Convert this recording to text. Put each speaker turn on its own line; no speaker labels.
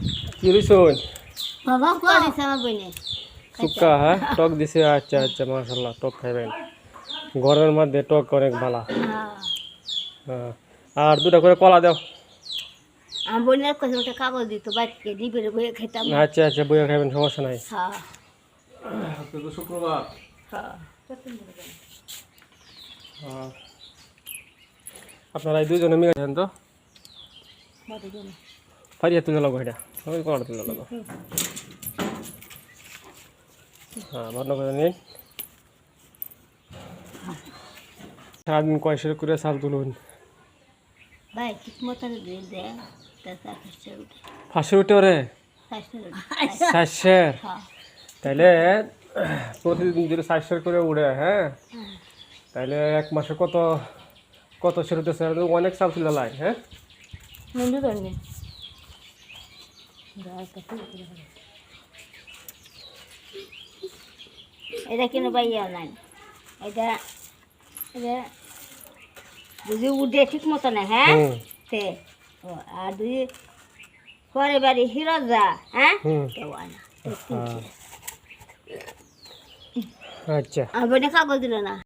কি রইছন
বাবা কোয়া দিছে আমার বইনে
সুক্কা হ্যাঁ টক দিছে আচ্ছা আচ্ছা মাশাআল্লাহ টক খাইবেন গরমের মধ্যে টক অনেক ভালো হ্যাঁ আর দুটা করে কলা দাও
আমার বইনের কাছে একটা কাগজ দিত বাইকে দিবে বইয়ে খেতাম
আচ্ছা আচ্ছা বইয়া খাইবেন সমস্যা নাই
হ্যাঁ
আজকে তো শুক্রবার
হ্যাঁ
আপনারা এই দুজনে মিলে খান তো ফারিয়া তুলে লাগো এটা ওই কোনটা তুলে লাগো হ্যাঁ ভালো করে নিন সারাদিন কয়শো করে চাল তুলুন
ভাই ঠিক মতন দিয়ে দেয় তা
500 উঠে ওরে 400
হ্যাঁ
তাইলে প্রতিদিন যদি 400 করে উড়ে হ্যাঁ তাইলে এক মাসে কত কত সেরুতেছে অনেক চাল তুলে লাই হ্যাঁ
মন্দির করবে এটা কিন্তু বাইয়া নাই এটা এটা যদি উঠে ঠিক মতো না হ্যাঁ সে আর যদি পরে বাড়ি হিরো যা হ্যাঁ কেউ আনা
আচ্ছা
আর বইনে কাগজ দিল না